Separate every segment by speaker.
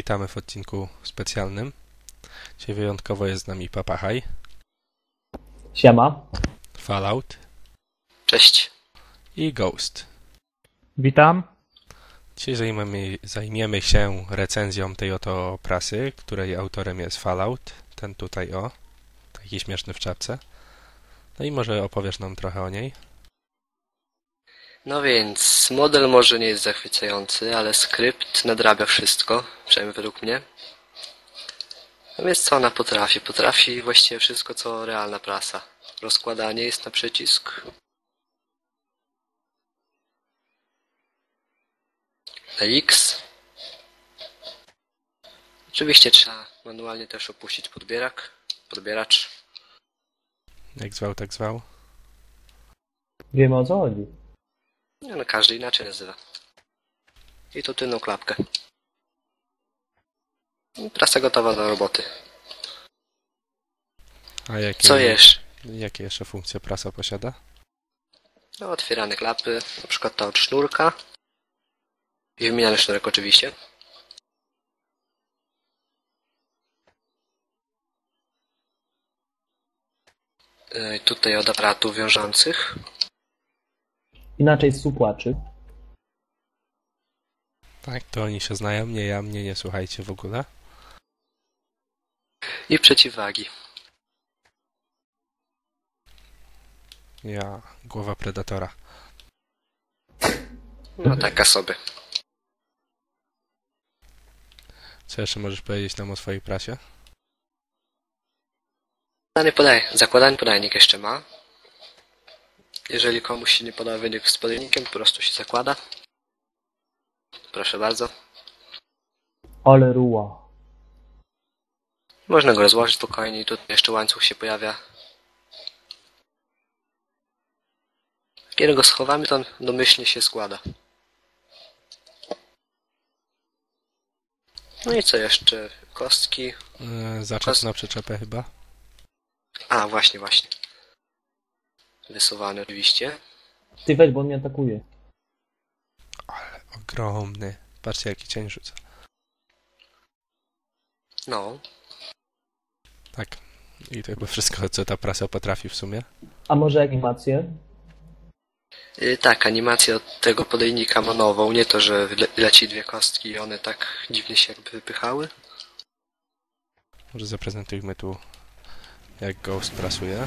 Speaker 1: witamy w odcinku specjalnym. Dzisiaj wyjątkowo jest z nami Papahaj,
Speaker 2: Siema.
Speaker 1: Fallout
Speaker 3: Cześć.
Speaker 1: i Ghost.
Speaker 2: Witam.
Speaker 1: Dzisiaj zajmiemy się recenzją tej oto prasy, której autorem jest Fallout, ten tutaj taki śmieszny w czapce. No i może opowiesz nam trochę o niej?
Speaker 3: No więc, model może nie jest zachwycający, ale skrypt nadrabia wszystko, przynajmniej według mnie. No więc co ona potrafi? Potrafi właściwie wszystko, co realna prasa. Rozkładanie jest na przycisk. Na X. Oczywiście trzeba manualnie też opuścić podbieracz.
Speaker 1: Jak zwał, tak zwał.
Speaker 2: Wiemy, o co chodzi.
Speaker 3: No każdy inaczej nazywa. I tu tylną klapkę. Prasa gotowa do roboty.
Speaker 1: A
Speaker 3: Co jesz?
Speaker 1: jakie jeszcze funkcje prasa posiada?
Speaker 3: No, otwierane klapy, na przykład ta od sznurka. I wymieniany sznurek oczywiście. Tutaj od aparatów wiążących.
Speaker 2: Inaczej supłaczy.
Speaker 1: Tak, to oni się znają, nie ja, mnie nie słuchajcie w ogóle.
Speaker 3: I przeciwwagi.
Speaker 1: Ja, głowa predatora.
Speaker 3: No taka sobie.
Speaker 1: Co jeszcze możesz powiedzieć nam o swojej prasie?
Speaker 3: Zakładany podajnik jeszcze ma. Jeżeli komuś się nie podoba wynik z podajnikiem, po prostu się zakłada. Proszę bardzo.
Speaker 2: Ale ruła.
Speaker 3: Można go rozłożyć spokojnie i tutaj jeszcze łańcuch się pojawia. Kiedy go schowamy, to on domyślnie się składa. No i co jeszcze? Kostki.
Speaker 1: Zaczep na przyczepę chyba.
Speaker 3: A, właśnie. Wysuwany oczywiście.
Speaker 2: Ty weź, bo on mnie atakuje.
Speaker 1: Ale ogromny. Patrzcie, jaki cień rzuca.
Speaker 3: No.
Speaker 1: Tak. I to chyba wszystko, co ta prasa potrafi w sumie.
Speaker 2: A może animację?
Speaker 3: Tak, animacja od tego podajnika ma nową. Nie to, że leci dwie kostki i one tak dziwnie się jakby wypychały.
Speaker 1: Może zaprezentujmy tu, jak Ghost prasuje.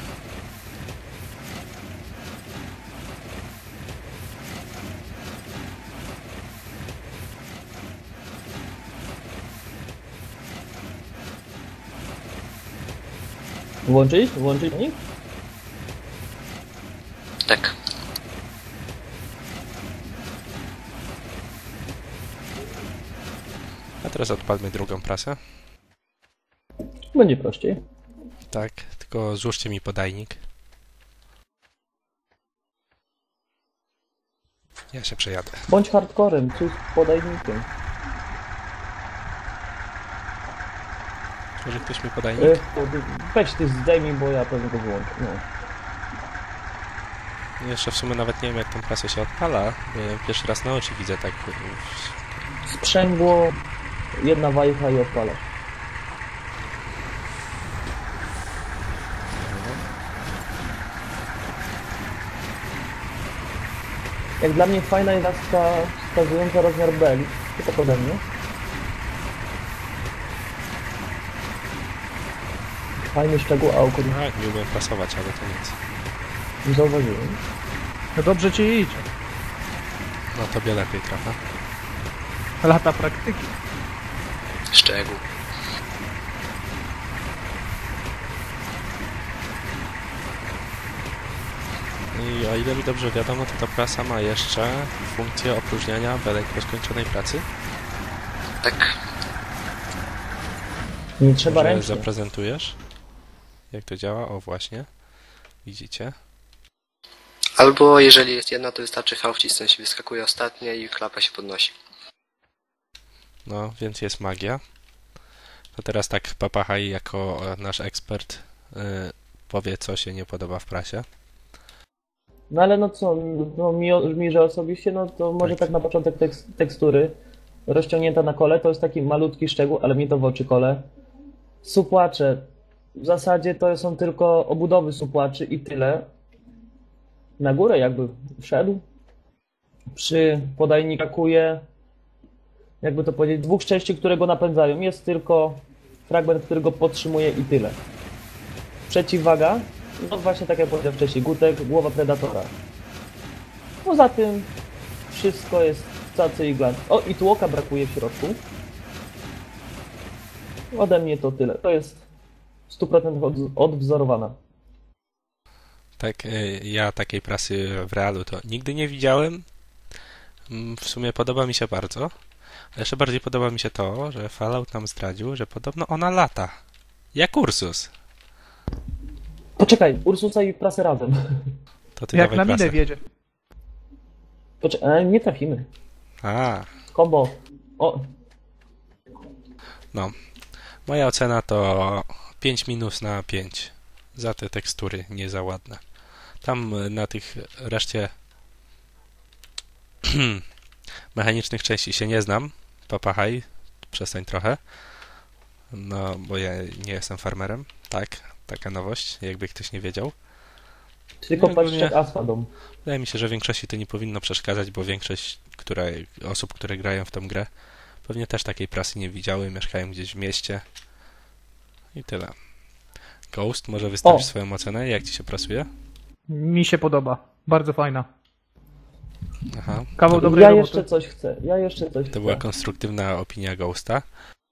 Speaker 2: Włączyć? Włączyć nich?
Speaker 3: Tak.
Speaker 1: A teraz odpalmy drugą prasę.
Speaker 2: Będzie prościej.
Speaker 1: Tak, tylko złóżcie mi podajnik. Ja się przejadę.
Speaker 2: Bądź hardcorem, coś z podajnikiem.
Speaker 1: Może ktoś mi podajnik?
Speaker 2: Weź ty zdejmij, bo ja pewnie go wyłączę. No.
Speaker 1: Jeszcze w sumie nawet nie wiem, jak tą prasę się odpala. Pierwszy raz na oczy widzę tak.
Speaker 2: Sprzęgło, jedna wajcha i odpalasz. Jak dla mnie fajna jest laska wskazująca rozmiar beli. Tylko pode mnie. Fajny szczegół, a oko
Speaker 1: Nie umiem prasować, ale to nic.
Speaker 2: nie zauważyłem.
Speaker 4: No dobrze ci idzie.
Speaker 1: No tobie lepiej trochę.
Speaker 4: Lata praktyki.
Speaker 3: Szczegół.
Speaker 1: I o ile mi dobrze wiadomo, to ta prasa ma jeszcze funkcję opróżniania belek po skończonej pracy.
Speaker 3: Tak.
Speaker 2: Nie trzeba
Speaker 1: Może
Speaker 2: ręcznie.
Speaker 1: zaprezentujesz, jak to działa? O, właśnie. Widzicie?
Speaker 3: Albo jeżeli jest jedna, to wystarczy V wcisnąć, wyskakuje ostatnia i klapa się podnosi.
Speaker 1: No, więc jest magia. To teraz tak Papahaj jako nasz ekspert powie, co się nie podoba w prasie.
Speaker 2: No ale no co, no mi że osobiście, no to może
Speaker 1: Tak.
Speaker 2: tak na początek tekstury. rozciągnięta na kole, to jest taki malutki szczegół, ale mi to w oczy kole. Supłacze. W zasadzie to są tylko obudowy supłaczy i tyle. Na górę jakby wszedł. Przy podajnika kuje, jakby to powiedzieć, dwóch części, które go napędzają. Jest tylko fragment, który go podtrzymuje i tyle. Przeciwwaga, no właśnie tak jak powiedziałem wcześniej, gutek, głowa predatora. Poza tym wszystko jest cacy i glans. O, i tłoka brakuje w środku. Ode mnie to tyle. To jest w 100% odwzorowana.
Speaker 1: Tak, ja takiej prasy w realu to nigdy nie widziałem. W sumie podoba mi się bardzo. A jeszcze bardziej podoba mi się to, że Fallout nam zdradził, że podobno ona lata. Jak Ursus.
Speaker 2: Poczekaj, Ursusa i prasę razem.
Speaker 1: To ty
Speaker 4: Jak
Speaker 1: dawaj
Speaker 4: na minę
Speaker 1: prasę.
Speaker 4: wiedzie.
Speaker 2: Poczekaj, nie trafimy.
Speaker 1: A,
Speaker 2: Kombo. O,
Speaker 1: no. Moja ocena to 5 minus na 5. Za te tekstury nie za ładne. Tam na tych reszcie mechanicznych części się nie znam. Papahaj, przestań trochę. No, bo ja nie jestem farmerem. Tak, taka nowość, jakby ktoś nie wiedział.
Speaker 2: tylko
Speaker 1: No,
Speaker 2: patrz
Speaker 1: ogólnie-
Speaker 2: jak Asfadom.
Speaker 1: Wydaje mi się, że większości to nie powinno przeszkadzać, bo większość osób, które grają w tą grę, pewnie też takiej prasy nie widziały, mieszkają gdzieś w mieście. I tyle. Ghost, może wystawisz
Speaker 2: O!
Speaker 1: swoją ocenę, jak ci się prasuje?
Speaker 4: Mi się podoba. Bardzo fajna.
Speaker 1: Aha.
Speaker 4: Kawał
Speaker 1: To,
Speaker 4: dobrej
Speaker 2: Ja
Speaker 4: roboty.
Speaker 2: jeszcze coś chcę.
Speaker 1: to była konstruktywna opinia Ghosta.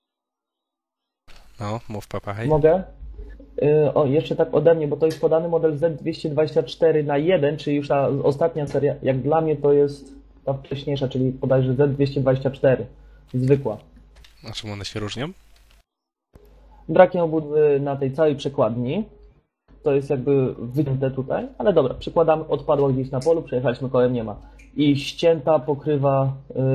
Speaker 1: No, mów Papahaj.
Speaker 2: Mogę? O, jeszcze tak ode mnie, bo to jest podany model Z224 na 1, czyli już ta ostatnia seria. Jak dla mnie to jest ta wcześniejsza, czyli bodajże Z224. Zwykła.
Speaker 1: A czym one się różnią?
Speaker 2: Brakiem obudowy na tej całej przekładni. To jest jakby wycięte tutaj, ale dobra, przykładamy, odpadła gdzieś na polu, przejechaliśmy kołem, nie ma. I ścięta pokrywa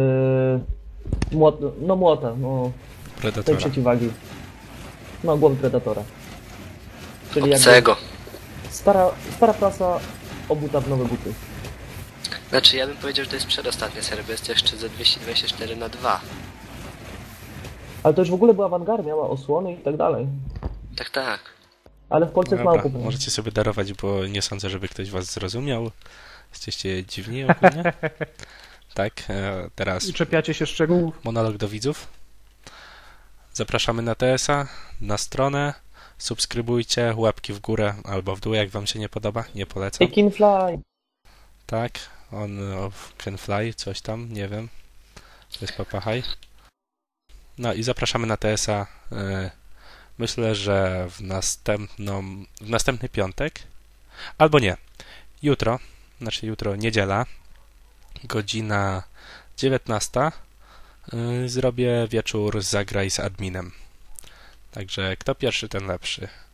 Speaker 2: młota, tej
Speaker 1: Predatora.
Speaker 2: przeciwwagi. No, głowy predatora. Czyli jakby
Speaker 3: Obcego.
Speaker 2: stara prasa obuta w nowe buty.
Speaker 3: Znaczy ja bym powiedział, że to jest przedostatnia seria, bo jest jeszcze za 224 na 2.
Speaker 2: Ale to już w ogóle była awangarda, miała osłony i tak dalej.
Speaker 3: Tak, tak.
Speaker 2: Ale w Polsce jest mało
Speaker 1: Dobra,
Speaker 2: kupione.
Speaker 1: możecie sobie darować, bo nie sądzę, żeby ktoś was zrozumiał. Jesteście dziwni ogólnie. Tak, teraz
Speaker 4: I czepiacie się szczegółów.
Speaker 1: monolog do widzów. Zapraszamy na TS-a, na stronę. Subskrybujcie, łapki w górę albo w dół, jak wam się nie podoba. Nie polecam.
Speaker 2: I Kinfly.
Speaker 1: Tak, on can fly, coś tam, nie wiem. To jest Papahaj. No i zapraszamy na TS-a. Myślę, że w następny piątek, albo nie, jutro, niedziela, godzina 19, zrobię wieczór Zagraj z adminem. Także kto pierwszy, ten lepszy.